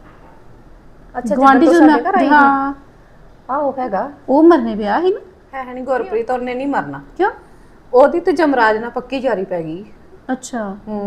ਅੱਛਾ ਗੁਆਂਢੀ ਜਦੋਂ ਜਿਹਾ ਸਾਡੇ ਘਰ ਆਈ ਹਾਂ ਆਹੋ ਹੈਗਾ ਉਹ ਮਰਨੇ ਪਿਆ ਸੀ ਨਾ। ਹੈ ਨਹੀਂ ਗੁਰਪ੍ਰੀਤ ਉਹਨੇ ਨਹੀਂ ਮਰਨਾ। ਕਿਉਂ? ਉਹਦੀ ਤੇ ਜਮਰਾਜ ਨਾਲ ਪੱਕੀ ਜਾਰੀ ਪੈ ਗਈ। ਅੱਛਾ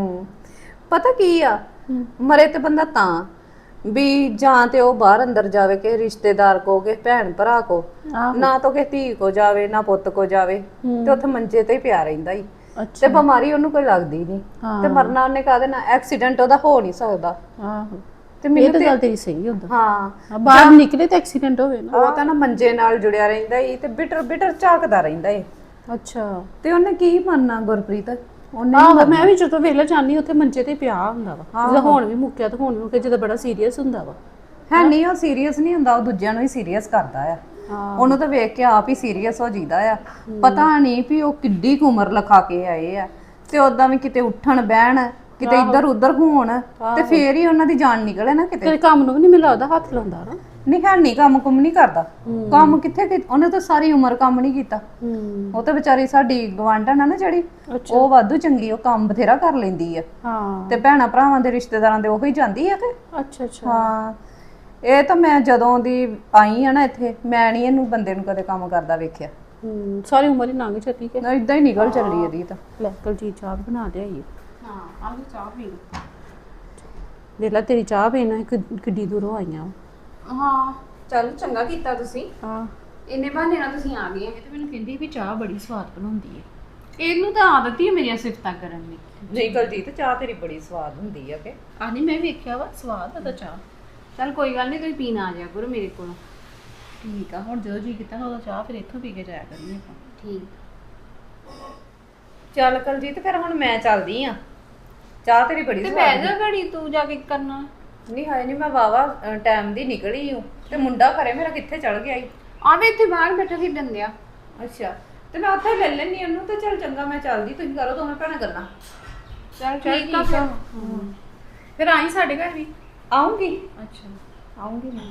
ਪਤਾ ਕੀ ਆ, ਮਰੇ ਤੇ ਬੰਦਾ ਤਾਂ ਵੀ ਜਾਂ ਤੇ ਉਹ ਬਾਹਰ ਅੰਦਰ ਜਾਵੇ ਕਿ ਰਿਸ਼ਤੇਦਾਰ ਕੋ ਕੇ ਭੈਣ ਭਰਾ ਕੋ, ਨਾ ਤਾਂ ਕਿ ਧੀ ਕੋ ਜਾਵੇ ਨਾ ਪੁੱਤ ਕੋ ਜਾਵੇ, ਤੇ ਉੱਥੇ ਮੰਜੇ ਤੇ ਹੀ ਪਿਆ ਰਹਿੰਦਾ ਹੀ। ਤੇ ਬਿਮਾਰੀ ਉਹਨੂੰ ਕੋਈ ਲੱਗਦੀ ਨਹੀਂ, ਤੇ ਮਰਨਾ ਉਹਨੇ ਕਾਹਦੇ ਨਾਲ? ਐਕਸੀਡੈਂਟ ਉਹਦਾ ਹੋ ਨਹੀਂ ਸਕਦਾ। ਆਹੋ ਤੇ ਇਹ ਮੈਨੂੰ ਤਾਂ ਗੱਲ ਤੇਰੀ ਸਹੀ ਹੁੰਦਾ। ਹਾਂ ਬਾਹਰ ਨਿਕਲੇ ਤਾਂ ਐਕਸੀਡੈਂਟ ਹੋਵੇ ਨਾ। ਉਹ ਤਾਂ ਨਾ ਮੰਜੇ ਨਾਲ ਜੁੜਿਆ ਰਹਿੰਦਾ ਹੀ ਤੇ ਬਿਟਰ ਬਿਟਰ ਝਾਕਦਾ ਰਹਿੰਦਾ ਏ। ਅੱਛਾ ਤੇ ਉਹਨੇ ਕੀ ਮੰਨਣਾ ਗੁਰਪ੍ਰੀਤ? ਉਹਨੇ ਆਹੋ ਮੈਂ ਵੀ ਜਦੋਂ ਵੇਲੇ ਜਾਂਦੀ ਉੱਥੇ ਮੰਜੇ ਤੇ ਪਿਆ ਹੁੰਦਾ ਵਾ, ਜਦੋਂ ਹੁਣ ਵੀ ਮੁੱਕਿਆ ਤੇ ਹੁਣ ਵੀ ਮੁੱਕਿਆ, ਜਦੋਂ ਬੜਾ ਸੀਰੀਅਸ ਹੁੰਦਾ ਵਾ। ਹੈ ਨਹੀਂ ਉਹ ਸੀਰੀਅਸ ਨਹੀਂ ਹੁੰਦਾ, ਉਹ ਦੂਜਿਆਂ ਨੂੰ ਹੀ ਸੀਰੀਅਸ ਕਰਦਾ ਆ। ਉਹਨੂੰ ਤਾਂ ਵੇਖ ਕੇ ਆਪ ਹੀ ਸੀਰੀਅਸ ਹੋ ਜਾਂਦਾ ਆ। ਪਤਾ ਨਹੀਂ ਵੀ ਉਹ ਕਿੱਡੀ ਕੁ ਉਮਰ ਲਿਖਾ ਕੇ ਆਏ ਆ, ਤੇ ਉਦਾਂ ਵੀ ਕਿਤੇ ਉੱਠਣ ਬਹਿਣ, ਕਿਤੇ ਇੱਧਰ ਉੱਧਰ ਹੋਣ, ਤੇ ਫੇਰ ਹੀ ਉਹਨਾਂ ਦੀ ਜਾਨ ਨਿਕਲੇ ਨਾ ਕਿਤੇ। ਤੇ ਕੰਮ ਨੂੰ ਵੀ ਨਹੀਂ ਮਿਲਦਾ, ਉਹਦਾ ਹੱਥ ਲਾਉਂਦਾ ਨਾ। ਨਹੀਂ ਹੈ ਨਹੀਂ ਕੰਮ ਕੁਮ ਨਹੀਂ ਕਰਦਾ। ਕੰਮ ਕਿੱਥੇ ਉਹਨੇ ਤਾਂ ਸਾਰੀ ਉਮਰ ਕੰਮ ਨਹੀਂ ਕੀਤਾ। ਉਹ ਤਾਂ ਵਿਚਾਰੀ ਸਾਡੀ ਗਵਾਂਢਣ ਆ ਨਾ ਜਿਹੜੀ, ਉਹ ਵਾਧੂ ਚੰਗੀ, ਉਹ ਕੰਮ ਬਥੇਰਾ ਕਰ ਲੈਂਦੀ ਆ। ਹਾਂ ਤੇ ਭੈਣਾ ਭਰਾਵਾਂ ਦੇ ਰਿਸ਼ਤੇਦਾਰਾਂ ਦੇ ਉਹੀ ਜਾਂਦੀ ਆ ਕਿ। ਅੱਛਾ ਅੱਛਾ ਹਾਂ ਇਹ ਤਾਂ ਮੈਂ ਜਦੋਂ ਦੀ ਆਈ ਆ ਨਾ ਇੱਥੇ, ਮੈਂ ਨਹੀਂ ਇਹਨੂੰ ਬੰਦੇ ਨੂੰ ਕਦੇ ਕੰਮ ਕਰਦਾ ਵੇਖਿਆ। ਸਾਰੀ ਉਮਰ ਹੀ ਲੰਘ ਚੱਲੀ ਕਿ ਇਦਾਂ ਹੀ ਨਿਕਲ ਚੱਲੀ ਇਹਦੀ ਤਾਂ। ਲੈ ਕੁਲਜੀਤ ਚਾਹ ਬਣਾ ਲਿਆਈਏ। ਹਾਂ ਆਹ ਚਾਹ ਪੀ ਲਓ। ਦੇਖ ਲੈ ਤੇਰੀ ਚਾਹ ਪੀਣਾ ਕਿੱਡੀ ਦੂਰੋਂ ਆਈਆਂ। ਹਾਂ ਚਲ ਚੰਗਾ ਕੀਤਾ ਤੁਸੀਂ, ਹਾਂ ਇੰਨੇ ਬਹਾਨੇ ਨਾਲ ਤੁਸੀਂ ਆ ਗਏ। ਇਹ ਤਾਂ ਮੈਨੂੰ ਕਹਿੰਦੀ ਵੀ ਚਾਹ ਬੜੀ ਸਵਾਦ ਬਣਾਉਂਦੀ ਹੈ। ਇਹਨੂੰ ਤਾਂ ਆਦਤ ਹੀ ਹੈ ਮੇਰੀਆਂ ਸਿਫਤਾਂ ਕਰਨ ਦੀ। ਨਹੀਂ ਕੁਲਜੀਤ ਚਾਹ ਤੇਰੀ ਬੜੀ ਸਵਾਦ ਹੁੰਦੀ ਆ ਕਿ। ਆਨੀ ਮੈਂ ਵੇਖਿਆ ਵਾ ਸਵਾਦ ਉਹਦਾ ਚਾਹ। ਚਲ ਕੋਈ ਗੱਲ ਨਹੀਂ, ਤੁਸੀਂ ਪੀਣ ਆ ਜਾਇਆ ਕਰੋ ਮੇਰੇ ਕੋਲ। ਠੀਕ ਆ, ਹੁਣ ਜਦੋਂ ਜੀ ਕੀਤਾ ਨਾ ਉਹਦਾ ਚਾਹ ਫਿਰ ਇੱਥੋਂ ਪੀ ਕੇ ਜਾਇਆ ਕਰਨੀ ਆਪਾਂ। ਠੀਕ ਚੱਲ ਕੁਲਜੀਤ ਫਿਰ ਹੁਣ ਮੈਂ ਚੱਲਦੀ ਆ, ਚਾਹ ਤੇਰੀ ਬੜੀ ਤੇ ਸਵਾਦ। ਬਹਿ ਜਾ ਘੜੀ, ਤੂੰ ਜਾ ਕੇ ਕਰਨਾ। ਨਹੀਂ ਹਾਏ ਨਹੀਂ, ਮੈਂ ਵਾਵਾ ਟਾਈਮ ਦੀ ਨਿਕਲੀ ਹੂੰ, ਤੇ ਮੁੰਡਾ ਘਰੇ ਮੇਰਾ ਕਿੱਥੇ ਚਲ ਗਿਆ ਈ। ਆਵੇ ਇੱਥੇ ਬਾਹਰ ਬੈਠਾ ਖੇਡਣ ਦਿਆ। ਅੱਛਾ ਤੇ ਮੈਂ ਉੱਥੇ ਲੈ ਲੈਣੀ ਉਹਨੂੰ। ਤੇ ਚੱਲ ਚੰਗਾ ਮੈਂ ਚੱਲਦੀ, ਤੁਸੀਂ ਕਰੋ ਦੋਵੇਂ ਭੈਣਾਂ ਗੱਲਾਂ। ਚਲ ਠੀਕ ਆ ਫਿਰ। ਫਿਰ ਆਈ ਸਾਡੇ ਘਰ ਵੀ। ਆਉਂਗੀ ਅੱਛਾ ਆਉਂਗੀ ਮੈਂ।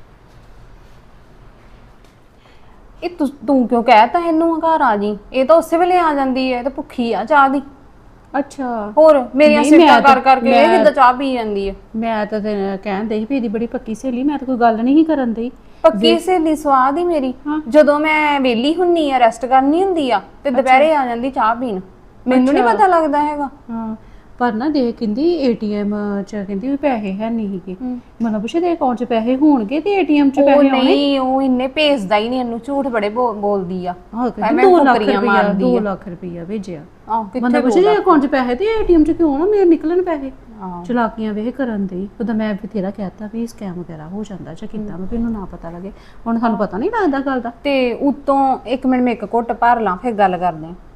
ਇਹ ਤੂੰ ਕਿਉਂ ਕਹਿਤਾ ਇਹਨੂੰ ਘਰ ਆ ਜੀ? ਇਹ ਤਾਂ ਉਸੇ ਵੇਲੇ ਆ ਜਾਂਦੀ ਹੈ, ਇਹ ਤਾਂ ਭੁੱਖੀ ਆ ਚਾਹ ਦੀ। ਅੱਛਾ ਹੋਰ ਮੇਰੀਆਂ ਨਹੀਂ, ਸਿਫਤਾਂ ਮੈਂ ਤਾਂ- ਕਰ ਕਰਕੇ ਇਹ ਕਿੱਦਾਂ ਚਾਹ ਪੀ ਜਾਂਦੀ ਹੈ? ਮੈਂ ਤਾਂ ਤੈਨੂੰ ਕਹਿੰਦੇ ਸੀ ਵੀ ਇਹਦੀ ਬੜੀ ਪੱਕੀ ਸਹੇਲੀ, ਮੈਂ ਤਾਂ ਕੋਈ ਗੱਲ ਨਹੀਂ ਸੀ ਕਰਨ ਦਈ। ਪੱਕੀ ਸਹੇਲੀ ਸਵਾਦ ਹੀ ਮੇਰੀ। ਜਦੋਂ ਮੈਂ ਵਿਹਲੀ ਹੁੰਨੀ ਆ, ਰੈਸਟ ਕਰਨੀ ਹੁੰਦੀ ਆ, ਤੇ ਦੁਪਹਿਰੇ ਆ ਜਾਂਦੀ ਚਾਹ ਪੀਣ। ਮੈਨੂੰ ਨਹੀਂ ਪਤਾ ਲੱਗਦਾ ਹੈਗਾ। ਹਾਂ ਪਰ ਨਾ ਦੇਖ ਕਹਿੰਦੀ ਏਟੀਐਮ ਚ ਕਹਿੰਦੀ ਵੀ ਪੈਸੇ ਹੈ ਨਹੀਂ ਸੀਗੇ। ਮੈਨੂੰ ਪੁੱਛੇ ਦੇ ਅਕਾਊਂਟ ਚ ਪੈਸੇ ਹੋਣਗੇ ਤੇ ਏਟੀਐਮ ਚ ਉਹ ਪੈਸੇ ਆਉਣੇ। ਨਹੀਂ, ਉਹ ਇੰਨੇ ਭੇਜਦਾ ਹੀ ਨਹੀਂ, ਇਹਨੂੰ ਝੂਠ ਬੜੇ ਬੋਲਦੀ ਆ। ਹਾਂ ਐਵੇਂ 2 ਲੱਖ ਫੁਕਰੀਆਂ ਰੁਪਇਆ ਮਾਰਦੀ 2 ਆ। ਲੱਖ ਰੁਪਇਆ ਭੇਜਿਆ। ਆਹ ਮੈਨੂੰ ਕਿੱਥੇ ਪੁੱਛੇ ਦੇ ਅਕਾਊਂਟ ਚ ਪੈਸੇ ਤੇ ਏਟੀਐਮ ਚ ਕਿਉਂ ਨਾ ਮੇਰੇ ਨਿਕਲਣ ਪੈਸੇ। ਆਹ ਚਲਾਕੀਆਂ ਵੇਖ ਕਰਨ ਦੇ। ਉਦੋਂ ਮੈਂ ਬਥੇਰਾ ਕਹਿਤਾ ਵੀ ਸਕੈਮ ਵਗੈਰਾ ਹੋ ਜਾਂਦਾ ਜਾਂ ਕਿੱਦਾਂ ਵੀ ਇਹਨੂੰ ਨਾ ਪਤਾ ਲੱਗੇ। ਹੁਣ ਸਾਨੂੰ ਪਤਾ ਨਹੀਂ ਲੱਗਦਾ ਗੱਲ ਦਾ। ਤੇ ਉਤੋਂ 1 ਮਿੰਟ ਮੈਂ ਇੱਕ ਘੁੱਟ ਭਰ ਲਾਂ ਫਿਰ ਗੱਲ ਕਰਦੇ ਆ।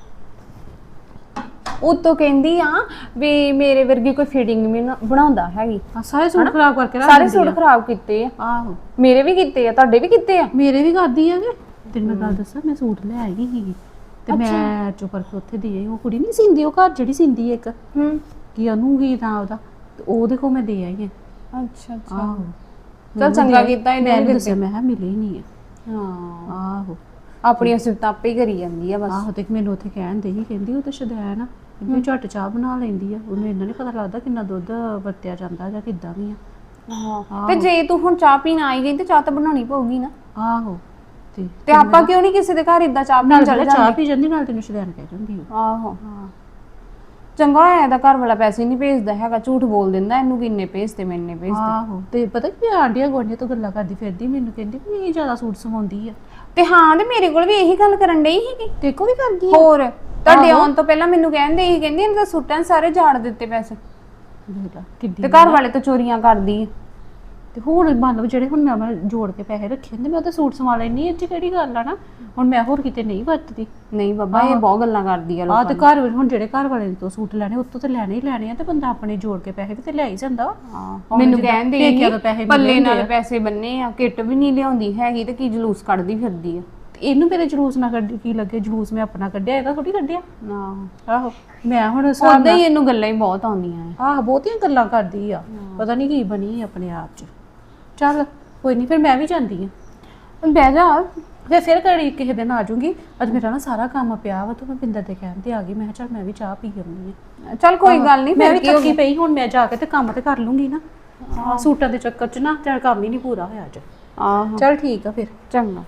ਉਤੋਂ ਕਹਿੰਦੀ ਆ ਵੀ ਮੇਰੇ ਵਰਗੀ ਕੋਈ ਫਿਟਿੰਗ ਵੀ ਨਾ ਬਣਾਉਂਦਾ ਹੈਗੀ। ਸਾਰੇ ਸੂਟ ਖਰਾਬ ਕਰਕੇ ਰੱਖ ਸਾਰੇ ਦਿੰਦੀ ਸੂਟ ਖਰਾਬ ਕੀਤੇ ਆ। ਆਹੋ ਮੇਰੇ ਵੀ ਕੀਤੇ ਆ, ਤੁਹਾਡੇ ਵੀ ਕੀਤੇ ਆ। ਮੇਰੇ ਵੀ ਕਰਦੀ ਆ ਕਿ ਤੈਨੂੰ ਮੈਂ ਗੱਲ ਦੱਸਾਂ, ਮੈਂ ਸੂਟ ਲੈ ਆਈ ਸੀਗੀ ਤੇ ਮੈਂ ਚੁੱਪ ਕਰਕੇ ਉੱਥੇ ਦੇ ਆਈ। ਉਹ ਕੁੜੀ ਨਹੀਂ ਸਿੰਦੀ, ਉਹ ਘਰ ਜਿਹੜੀ ਸਿੰਦੀ ਇੱਕ ਕੀ ਉਹਨੂੰ ਕੀ ਤਾਂ ਉਹਦਾ, ਤੇ ਉਹਦੇ ਕੋਲ ਮੈਂ ਦੇ ਆਈ ਆ। ਅੱਛਾ ਅੱਛਾ ਆਹੋ ਚਲ ਚੰਗਾ ਕੀਤਾ ਇਹਨੇ ਮੈਂ ਵੀ ਦੱਸਿਆ, ਮੈਂ ਕਿਹਾ ਮਿਲੇ ਨਹੀਂ ਆ। ਹਾਂ ਆਹੋ ਆਪਣੀਆਂ ਸਿਫਤਾਂ ਆਪੇ ਹੀ ਕਰੀ ਜਾਂਦੀ ਆ ਬਸ। ਆਹੋ ਤੇ ਮੈਨੂੰ ਉੱਥੇ ਕਹਿਣ ਦੇ ਹੀ, ਕਹਿੰਦੀ ਉਹ ਤਾਂ ਸ਼ੁਦੈਣ ਆ, ਕਹਿੰਦੀ ਝੱਟ ਚਾਹ ਬਣਾ ਲੈਂਦੀ ਆ, ਉਹਨੂੰ ਇੰਨਾ ਨਹੀਂ ਪਤਾ ਲੱਗਦਾ ਕਿੰਨਾ ਦੁੱਧ ਵਰਤਿਆ ਜਾਂਦਾ ਜਾਂ ਕਿੱਦਾਂ ਵੀ ਆ। ਹਾਂ ਤੇ ਜੇ ਤੂੰ ਹੁਣ ਚਾਹ ਪੀਣ ਆਈ ਗਈ ਤੇ ਚਾਹ ਤਾਂ ਬਣਾਉਣੀ ਪਊਗੀ ਨਾ। ਆਹੋ ਤੇ ਆਪਾਂ ਕਿਉਂ ਨਹੀਂ ਕਿਸੇ ਦੇ ਘਰ ਇਦਾਂ ਚਾਹ ਪੀਣ ਚੱਲ ਚਾਹ ਜਾਂਦੇ? ਪੀ ਜਾਂਦੀ ਨਾਲ ਤੈਨੂੰ ਸ਼ੁਦੈਣ ਕਹਿ ਜਾਂਦੀ ਉਹ। ਆਹੋ ਚੰਗਾ ਹੋਇਆ ਇਹਦਾ ਘਰ ਵਾਲਾ ਪੈਸੇ ਨਹੀਂ ਭੇਜਦਾ ਹੈਗਾ, ਝੂਠ ਬੋਲ ਦਿੰਦਾ ਇਹਨੂੰ ਕਿ ਇੰਨੇ ਭੇਜਦੇ, ਮੈਂ ਇੰਨੇ ਭੇਜਦੇ। ਆਹੋ ਤੇ ਪਤਾ ਕੀ ਆਂਡੀਆਂ ਗੋਂਡੀਆਂ ਤੋਂ ਗੱਲਾਂ ਕਰਦੀ ਫਿਰਦੀ, ਮੈਨੂੰ ਕਹਿੰਦੀ ਵੀ ਇਹ ਜ਼ਿਆਦਾ ਸੂਟ ਸਵਾਉਂਦੀ ਆ। ਤੇ ਹਾਂ, ਤੇ ਮੇਰੇ ਕੋਲ ਵੀ ਇਹੀ ਗੱਲ ਕਰਨ ਡਈ ਸੀਗੀ। ਤੇ ਕੋ ਵੀ ਕਰਦੀ ਆ। ਹੋਰ ਤੁਹਾਡੇ ਆਉਣ ਤੋਂ ਪਹਿਲਾਂ ਮੈਨੂੰ ਕਹਿੰਦੇ ਸੀ, ਕਹਿੰਦੀ ਇਹਨਾਂ ਦਾ ਸੂਟਾਂ ਸਾਰੇ ਝਾੜ ਦਿੱਤੇ ਪੈਸੇ, ਦੇਖ ਲਾ ਕਿੱਡੀ ਤੇ ਘਰ ਵਾਲੇ ਤੋਂ ਚੋਰੀਆਂ ਕਰਦੀ ਆ। ਤੇ ਹੁਣ ਮੰਨ ਲਓ ਜਿਹੜੇ ਹੁਣ ਮੈਂ ਜੋੜ ਕੇ ਪੈਸੇ ਰੱਖੇ ਹੁੰਦੇ ਮੈਂ ਤਾਂ ਸੂਟ ਸਵਾ ਲੈਣੀ ਇਹ 'ਚ ਕਿਹੜੀ ਗੱਲ ਆ ਨਾ। ਹੁਣ ਮੈਂ ਹੋਰ ਕਿਤੇ ਨਹੀਂ ਵਰਤਦੀ। ਨਹੀਂ ਬਾਬਾ ਇਹ ਬਹੁਤ ਗੱਲਾਂ ਕਰਦੀ ਆ ਆ ਲੋਕਾਂ ਤੇ ਘਰ ਵਿੱਚ ਹੁਣ ਜਿਹੜੇ ਘਰ ਵਾਲੇ ਤੋਂ ਸੂਟ ਲੈਣੇ ਉੱਤੋਂ ਤੇ ਲੈਣੇ ਹੀ ਲੈਣੇ ਆ ਤੇ ਬੰਦਾ ਆਪਣੇ ਜੋੜ ਕੇ ਪੈਸੇ ਵੀ ਤੇ ਲੈ ਹੀ ਜਾਂਦਾ ਵਾ। ਹਾਂ ਮੈਨੂੰ ਕਹਿੰਦੇ ਪੇਕਿਆਂ ਤੋਂ ਪੈਸੇ ਪੱਲੇ ਮਿਲਦੇ ਨਾਲ ਆ। ਪੈਸੇ ਬੰਨੇ ਆ, ਕਿੱਟ ਵੀ ਨਹੀਂ ਲਿਆਉਂਦੀ ਹੈਗੀ ਤੇ ਕੀ ਜਲੂਸ ਕੱਢਦੀ ਫਿਰਦੀ ਆ। ਤੇ ਇਹਨੂੰ ਮੇਰੇ ਜਲੂਸ ਨਾ ਕੱਢੀ ਕੀ ਲੱਗੇ, ਜਲੂਸ ਮੈਂ ਆਪਣਾ ਕੱਢਿਆ ਇਹਦਾ ਥੋੜੀ ਕੱਢਿਆ। ਆਹੋ ਮੈਂ ਹੁਣ ਉਦਾਂ ਹੀ ਇਹਨੂੰ ਗੱਲਾਂ ਹੀ ਬਹੁਤ ਆਉਂਦੀਆਂ ਆ। ਆਹ ਬਹੁਤੀਆਂ ਗੱਲਾਂ ਕਰਦੀ ਆ, ਪਤਾ ਨਹੀਂ ਕੀ ਬਣੀ ਆਪਣੇ ਆਪ 'ਚ। ਚੱਲ ਕੋਈ ਨਹੀਂ ਫਿਰ ਮੈਂ ਵੀ ਜਾਂਦੀ ਆ। ਬਹਿ ਜਾ। ਫਿਰ ਘੜੀ ਕਿਸੇ ਦਿਨ ਆ ਜਾਊਂਗੀ। ਅੱਜ ਮੇਰਾ ਨਾ ਸਾਰਾ ਕੰਮ ਪਿਆ ਵਾ ਤੇ ਮੈਂ ਪਿੰਦਰ ਦੇ ਕਹਿਣ ਤੇ ਆ ਗਈ। ਮੈਂ ਕਿਹਾ ਚੱਲ ਮੈਂ ਵੀ ਚਾਹ ਪੀ ਆਉਂਦੀ ਆ। ਚੱਲ ਕੋਈ ਗੱਲ ਨਹੀਂ, ਮੈਂ ਵੀ ਥੱਕੀ ਪਈ ਹੁਣ ਮੈਂ ਜਾ ਕੇ ਤੇ ਕੰਮ ਤੇ ਕਰ ਲੂੰਗੀ ਨਾ। ਸੂਟਾਂ ਦੇ ਚੱਕਰ 'ਚ ਨਾ ਤੇਰਾ ਕੰਮ ਹੀ ਨਹੀਂ ਪੂਰਾ ਹੋਇਆ ਅੱਜ। ਆਹੋ ਚੱਲ ਠੀਕ ਆ ਫਿਰ। ਚੰਗਾ।